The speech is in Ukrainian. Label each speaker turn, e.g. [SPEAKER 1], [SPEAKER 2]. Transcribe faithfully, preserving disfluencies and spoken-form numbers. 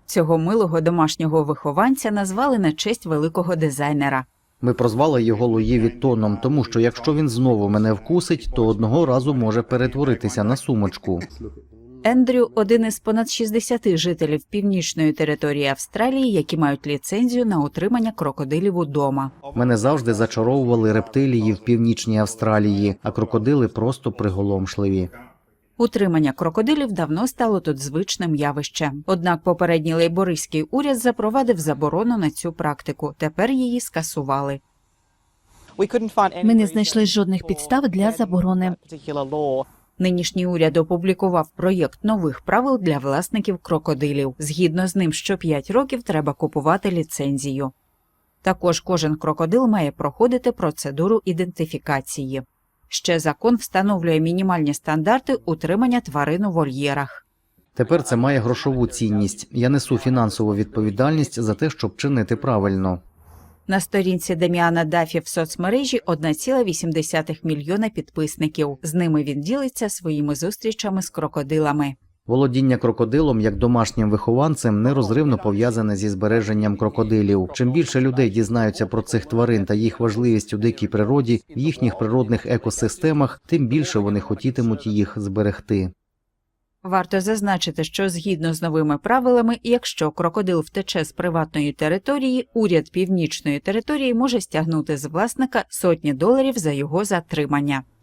[SPEAKER 1] Цього милого домашнього вихованця назвали на честь великого дизайнера.
[SPEAKER 2] Ми прозвали його Луї Віттоном, тому що якщо він знову мене вкусить, то одного разу може перетворитися на сумочку.
[SPEAKER 1] Ендрю – один із понад шістдесяти жителів північної території Австралії, які мають ліцензію на утримання крокодилів удома.
[SPEAKER 2] Мене завжди зачаровували рептилії в північній Австралії, а крокодили просто приголомшливі.
[SPEAKER 1] Утримання крокодилів давно стало тут звичним явищем. Однак попередній лейбористський уряд запровадив заборону на цю практику. Тепер її скасували.
[SPEAKER 3] Ми не знайшли жодних підстав для заборони.
[SPEAKER 1] Нинішній уряд опублікував проєкт нових правил для власників крокодилів. Згідно з ним, що п'ять років треба купувати ліцензію. Також кожен крокодил має проходити процедуру ідентифікації. Ще закон встановлює мінімальні стандарти утримання тварин у вольєрах.
[SPEAKER 2] Тепер це має грошову цінність. Я несу фінансову відповідальність за те, щоб чинити правильно.
[SPEAKER 1] На сторінці Деміана Даффі в соцмережі одна ціла вісім десятих мільйона підписників. З ними він ділиться своїми зустрічами з крокодилами.
[SPEAKER 2] Володіння крокодилом як домашнім вихованцем нерозривно пов'язане зі збереженням крокодилів. Чим більше людей дізнаються про цих тварин та їх важливість у дикій природі, в їхніх природних екосистемах, тим більше вони хотітимуть їх зберегти.
[SPEAKER 1] Варто зазначити, що згідно з новими правилами, якщо крокодил втече з приватної території, уряд північної території може стягнути з власника сотні доларів за його затримання.